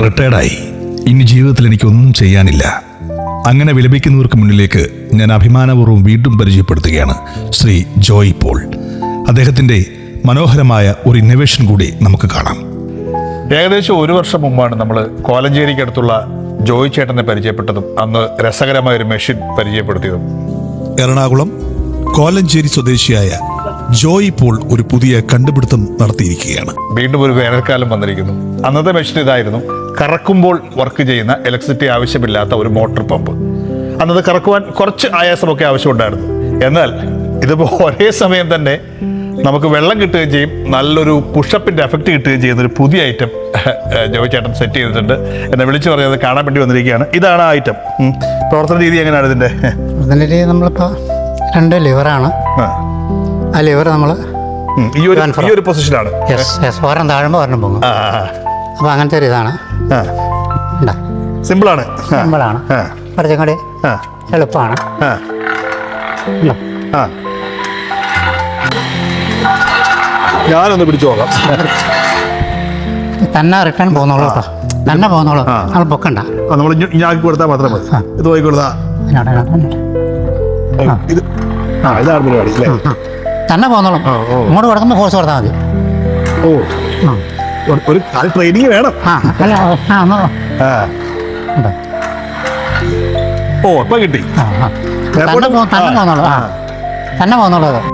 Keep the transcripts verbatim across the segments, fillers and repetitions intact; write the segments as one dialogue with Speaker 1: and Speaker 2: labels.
Speaker 1: റിട്ടയർഡായി. ഇനി ജീവിതത്തിൽ എനിക്കൊന്നും ചെയ്യാനില്ല. അങ്ങനെ വിലപിക്കുന്നവർക്ക് മുന്നിലേക്ക് ഞാൻ അഭിമാനപൂർവ്വം വീണ്ടും പരിചയപ്പെടുത്തുകയാണ് ശ്രീ ജോയ് പോൾ. അദ്ദേഹത്തിൻ്റെ മനോഹരമായ ഒരു ഇന്നോവേഷൻ കൂടി നമുക്ക് കാണാം.
Speaker 2: ഏകദേശം ഒരു വർഷം മുമ്പാണ് നമ്മൾ കോലഞ്ചേരിക്കടുത്തുള്ള ജോയ് ചേട്ടനെ പരിചയപ്പെട്ടതും അന്ന് രസകരമായ ഒരു മെഷീൻ പരിചയപ്പെടുത്തിയതും.
Speaker 1: എറണാകുളം കോലഞ്ചേരി സ്വദേശിയായ ജോയ് പോൾ ഒരു പുതിയ കണ്ടുപിടുത്തം നടത്തിയിരിക്കുകയാണ്.
Speaker 2: വീണ്ടും ഒരു വേനൽക്കാലം വന്നിരിക്കുന്നു. അന്നത്തെ മെഷീൻ ഇതായിരുന്നു. കറക്കുമ്പോൾ വർക്ക് ചെയ്യുന്ന ഇലക്ട്രിസിറ്റി ആവശ്യമില്ലാത്ത ഒരു മോട്ടോർ പമ്പ്. അന്നത് കറക്കുവാൻ കുറച്ച് ആയാസമൊക്കെ ആവശ്യമുണ്ടായിരുന്നു. എന്നാൽ ഇതിപ്പോൾ ഒരേ സമയം തന്നെ നമുക്ക് വെള്ളം കിട്ടുകയും ചെയ്യും, നല്ലൊരു പുഷപ്പിന്റെ എഫക്റ്റ് കിട്ടുകയും ചെയ്യുന്ന ഒരു പുതിയ ഐറ്റം ജോയ് ചേട്ടൻ സെറ്റ് ചെയ്തിട്ടുണ്ട്. എന്നെ വിളിച്ചു പറഞ്ഞത് കാണാൻ വേണ്ടി വന്നിരിക്കുകയാണ്. ഇതാണ് ആ ഐറ്റം. പ്രവർത്തന രീതി എങ്ങനെയാണ് ഇതിന്റെ?
Speaker 3: പ്രവർത്തന രീതി നമ്മളിപ്പോൾ രണ്ട് ലിവറാണ്. ആ ലിവർ നമ്മൾ
Speaker 2: ഈ ഒരു ഈ ഒരു പൊസിഷനാണ്.
Speaker 3: ഒരെണ്ണം താഴുമ്പോൾ ഒരെണ്ണം പോകും. അപ്പോൾ അങ്ങനത്തെ ഒരു ഇതാണ്.
Speaker 2: സിമ്പിളാണ്,
Speaker 3: സിമ്പിളാണ്, കുറച്ചും കൂടി എളുപ്പമാണ്.
Speaker 2: ഞാനൊന്ന് പിടിച്ചു നോക്കാം.
Speaker 3: തന്നെ റിട്ടേൺ പോകുന്നോളൂ കേട്ടോ, തന്നെ പോകുന്നോളൂ. നമ്മൾ പൊക്കണ്ട,
Speaker 2: നമ്മൾ ഞാക്കി കൊടുത്താൽ മാത്രം മതി. ഇത് പോയി കൊടുത്താ ഇതാണ് പരിപാടി അല്ലേ?
Speaker 3: തന്നെ പോകുന്നോളും. ഇങ്ങോട്ട് കൊടുക്കുമ്പോൾ ഫോഴ്സ് കൊടുത്താൽ മതി.
Speaker 2: ഓ, ഒരു ട്രെയിനിങ് വേണം. ഓ, ഇപ്പൊ കിട്ടി.
Speaker 3: തന്നെ പോന്നോളൂ, തന്നെ പോന്നോളൂ. അത്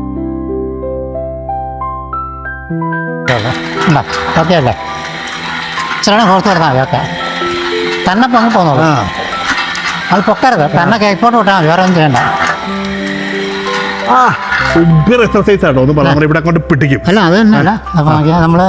Speaker 3: ഓക്കെ അല്ലേ? ഇച്ചിരി ഫോഴ്സ് കൊടുത്താൽ മതി. ഓക്കെ, തന്നെ പൊങ്ങി പോന്നോളൂ. അത് പൊക്കരുത്, തന്നെ കേക്കോട്ട് വിട്ടാൽ മതി, വേറെ ഒന്നും ചെയ്യണ്ട.
Speaker 2: എക്സർസൈസ് ആണോ ഒന്ന് പറഞ്ഞു ഇവിടെ കൊണ്ട് പിടിക്കും.
Speaker 3: അല്ല, അത് തന്നെയല്ല. അപ്പോൾ നമ്മള്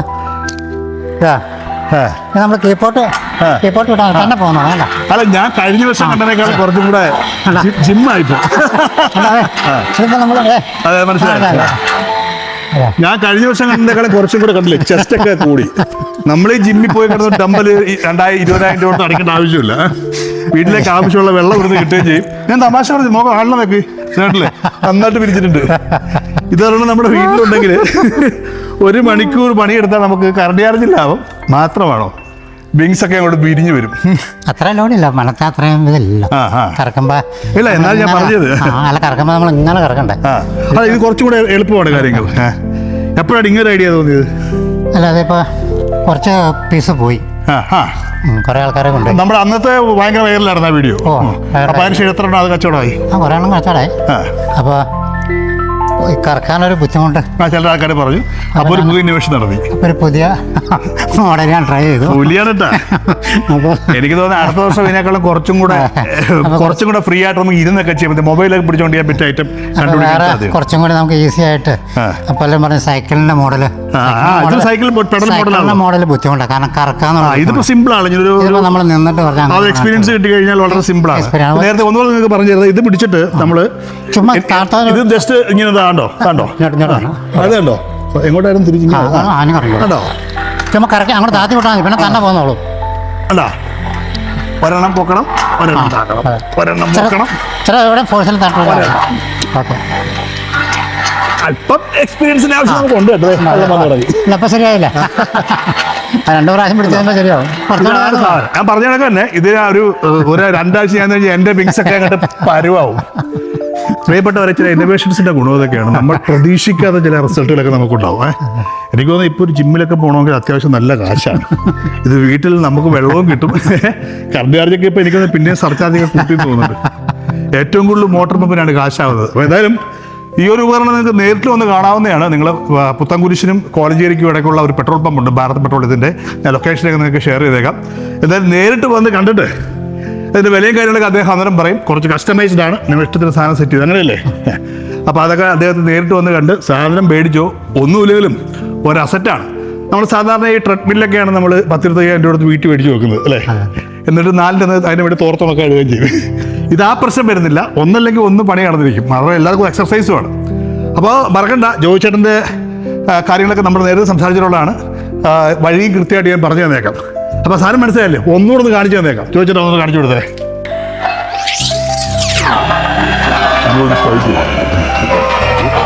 Speaker 3: നമ്മൾ കീപ്പോട്ട് കീപ്പോട്ട് വിട്ടാൽ തന്നെ പോകുന്നോ? അല്ല
Speaker 2: അല്ല, ഞാൻ കഴിഞ്ഞ വർഷം കണ്ടതിനേക്കാൾ കുറച്ചും കൂടെ ജിമ്മായിപ്പോ.
Speaker 3: ഇതിപ്പോൾ നമ്മൾ
Speaker 2: അതെ, മനസ്സിലായി. ഞാൻ കഴിഞ്ഞ വർഷം കണ്ടതിനേക്കാളും കുറച്ചും കൂടെ കണ്ടില്ലേ, ചെസ്റ്റ് ഒക്കെ കൂടി. നമ്മൾ ഈ ജിമ്മിൽ പോയി കിടന്ന ഡമ്പല് രണ്ടായിരം ഇരുപതിനായിരം രൂപ കൊണ്ട് അടിക്കേണ്ട ആവശ്യമില്ല. വീട്ടിലേക്ക് ആവശ്യമുള്ള വെള്ളം ഇവിടുന്ന് കിട്ടുകയും ചെയ്യും. ഞാൻ തമാശ പറഞ്ഞു, മോക്കം ആളിനെ നോക്കി കേട്ടില്ലേ, നന്നായിട്ട് പിരിച്ചിട്ടുണ്ട്. ഇതാണ് നമ്മുടെ വീട്ടിലുണ്ടെങ്കിൽ ഒരു മണിക്കൂർ പണിയെടുത്താൽ നമുക്ക് കറണ്ട് ചാർജ് ലാഭം മാത്രമാണോ? വിങ്സ് ഒക്കെ അങ്ങോട്ട് പിരിഞ്ഞു വരും.
Speaker 3: അത്ര ലോഡില്ല, മനത്തെ അത്രയും ഇതില്ല. കറക്കുമ്പോ
Speaker 2: ഇല്ല, എന്നാലും ഞാൻ പറഞ്ഞത്
Speaker 3: അല്ല, കറക്കുമ്പോ നമ്മൾ ഇങ്ങനെ കറക്കണ്ടേ.
Speaker 2: അല്ല, ഇത് കുറച്ചും കൂടെ എളുപ്പമാണ് കാര്യങ്ങൾ. എപ്പോഴാണ് ഇങ്ങനെ ഐഡിയ തോന്നിയത്?
Speaker 3: അല്ല, അതിപ്പോ കുറച്ച് പീസ് പോയി, കുറെ ആൾക്കാരെ കൊണ്ട്.
Speaker 2: നമ്മുടെ അന്നത്തെ ഭയങ്കര വൈറലായിരുന്നു ആ വീഡിയോ. അപ്പൊ അതിന് എത്ര അത് കച്ചവടമായി?
Speaker 3: ആ, കുറെ എണ്ണം കച്ചവടമായി. അപ്പൊ കറക്കാനൊരു ബുദ്ധിമുട്ട്
Speaker 2: ചില ആൾക്കാർ പറഞ്ഞു. അപ്പൊ ഒരു പുതിയ ഇന്നോവേഷൻ നടത്തി,
Speaker 3: ഒരു പുതിയ മോഡൽ ഞാൻ ട്രൈ ചെയ്തു.
Speaker 2: പുലിയാണ് കേട്ടാ. എനിക്ക് തോന്നുന്നു അടുത്ത വർഷം ഇതിനേക്കാളും കുറച്ചും കൂടെ കുറച്ചും കൂടെ ഫ്രീ ആയിട്ട് നമുക്ക് ഇരുന്നൊക്കെ ചെയ്യാൻ, മൊബൈലൊക്കെ പിടിച്ചോണ്ട് ചെയ്യാൻ പറ്റിയ ഐറ്റം കണ്ടുപിടിക്കാൻ
Speaker 3: കുറച്ചും കൂടി നമുക്ക് ഈസി ആയിട്ട്. പലരും പറഞ്ഞ സൈക്കിളിന്റെ മോഡല്
Speaker 2: സൈക്കിൾ
Speaker 3: മോഡൽ ബുദ്ധിമുട്ടാണ്, കാരണം കറക്കാന്ന്.
Speaker 2: ഇതിപ്പോ സിമ്പിൾ ആണ്.
Speaker 3: നമ്മൾ നിന്നിട്ട് പറഞ്ഞാൽ
Speaker 2: എക്സ്പീരിയൻസ് കിട്ടി കഴിഞ്ഞാൽ വളരെ സിമ്പിൾ ആണ്. നേരത്തെ ഒന്നുകൂടെ നിങ്ങൾക്ക് പറഞ്ഞു തരുന്നത്, ഇത് പിടിച്ചിട്ട് നമ്മള്
Speaker 3: ചുമ്മാ
Speaker 2: ഇത് ജസ്റ്റ് ഇങ്ങനെ കണ്ടോ കണ്ടോ അത് കണ്ടോ എങ്ങോട്ടായിരുന്നു തിരിച്ചു
Speaker 3: കണ്ടോ, ചുമ്മാ കറക്കി അങ്ങോട്ട് താത്തി വിട്ടാൽ മതി, പിന്നെ തന്നെ പോന്നോളൂ.
Speaker 2: അല്ല, ഒരെണ്ണം പൊക്കണം, ഒരെണ്ണം താക്കണം, ഒരെണ്ണം പൊക്കണം.
Speaker 3: ചില എവിടെ ഫോഴ്സിൽ തട്ടും. ഓക്കെ,
Speaker 2: അല്പം എക്സ്പീരിയൻസിന് ആവശ്യം നമുക്ക് ഉണ്ട് കേട്ടോ.
Speaker 3: ഇപ്പൊ ശരിയായില്ല, രണ്ടു പ്രാവശ്യം പിടിച്ചതിന്റെ ശരിയാവും.
Speaker 2: ഞാൻ പറഞ്ഞ കണക്ക് തന്നെ ഇത് ഒരു ഒരു രണ്ടാഴ്ച ഞാൻ എന്റെ വിങ്സ് ഒക്കെ അങ്ങോട്ട് പരുവാവും. പ്രിയപ്പെട്ടവരെ, ചില ഇന്നോവേഷൻസിന്റെ ഗുണം ഇതൊക്കെയാണ്. നമ്മൾ പ്രതീക്ഷിക്കാത്ത ചില റിസൾട്ടുകളൊക്കെ നമുക്കുണ്ടാവും. എനിക്ക് തോന്നുന്നു ഇപ്പോൾ ഒരു ജിമ്മിലൊക്കെ പോകണമെങ്കിൽ അത്യാവശ്യം നല്ല കാശാണ്. ഇത് വീട്ടിൽ നമുക്ക് വെള്ളവും കിട്ടും, കറണ്ട് ചാർജൊക്കെ ഇപ്പോൾ എനിക്കൊന്ന് പിന്നെയും സർചാർജൊക്കെ കൂട്ടി തോന്നുന്നുണ്ട്. ഏറ്റവും കൂടുതൽ മോട്ടോർ പമ്പിനാണ് കാശാവുന്നത്. അപ്പോൾ എന്തായാലും ഈ ഒരു ഉപകരണം നിങ്ങൾക്ക് നേരിട്ട് വന്ന് കാണാവുന്നതാണ്. നിങ്ങൾ പുത്തൻകുരിശിനും കോലഞ്ചേരിക്കും ഇടയ്ക്കുള്ള ഒരു പെട്രോൾ പമ്പുണ്ട്, ഭാരത് പെട്രോൾ. ഇതിൻ്റെ ഞാൻ ലൊക്കേഷനൊക്കെ നിങ്ങൾക്ക് ഷെയർ ചെയ്തേക്കാം. എന്തായാലും നേരിട്ട് വന്ന് കണ്ടിട്ട് അതിൻ്റെ വിലയും കാര്യങ്ങളൊക്കെ അദ്ദേഹം അന്നേരം പറയും. കുറച്ച് കസ്റ്റമൈസ്ഡ് ആണ്, നിങ്ങൾ ഇഷ്ടത്തിന് സാധനം സെറ്റ് ചെയ്ത്, അങ്ങനെയല്ലേ? അപ്പോൾ അതൊക്കെ അദ്ദേഹത്തിന് നേരിട്ട് വന്ന് കണ്ട് സാധനം മേടിച്ചോ ഒന്നുമില്ലെങ്കിലും ഒരു അസറ്റാണ്. നമ്മൾ സാധാരണ ഈ ട്രെഡ്മില്ലൊക്കെയാണ് നമ്മൾ പത്തിരുപത്തയ്യായിരം രൂപ വീട്ടിൽ മേടിച്ച് വെക്കുന്നത് അല്ലേ? എന്നിട്ട് നാലിൻ്റെ അതിന് വേണ്ടി തോർത്തുണക്കെ എഴുതുകയും ചെയ്യും. ഇത് ആ പ്രശ്നം വരുന്നില്ല. ഒന്നല്ലെങ്കിൽ ഒന്ന് പണി നടന്നിരിക്കും. അതുപോലെ എല്ലാവർക്കും എക്സർസൈസുമാണ്. അപ്പോൾ മറക്കണ്ട, ജോയ് ചേട്ടൻ്റെ കാര്യങ്ങളൊക്കെ നമ്മൾ നേരത്തെ സംസാരിച്ചിട്ടുള്ളതാണ്. വഴിയും കൃത്യമായിട്ട് ഞാൻ പറഞ്ഞു തന്നേക്കാം. അപ്പോൾ സാധനം മനസ്സിലായല്ലേ? ഒന്നുകൂടെ ഒന്ന് കാണിച്ചു തന്നേക്കാം. ജോയ് ചേട്ടൻ ഒന്ന് കാണിച്ചു കൊടുത്തേ.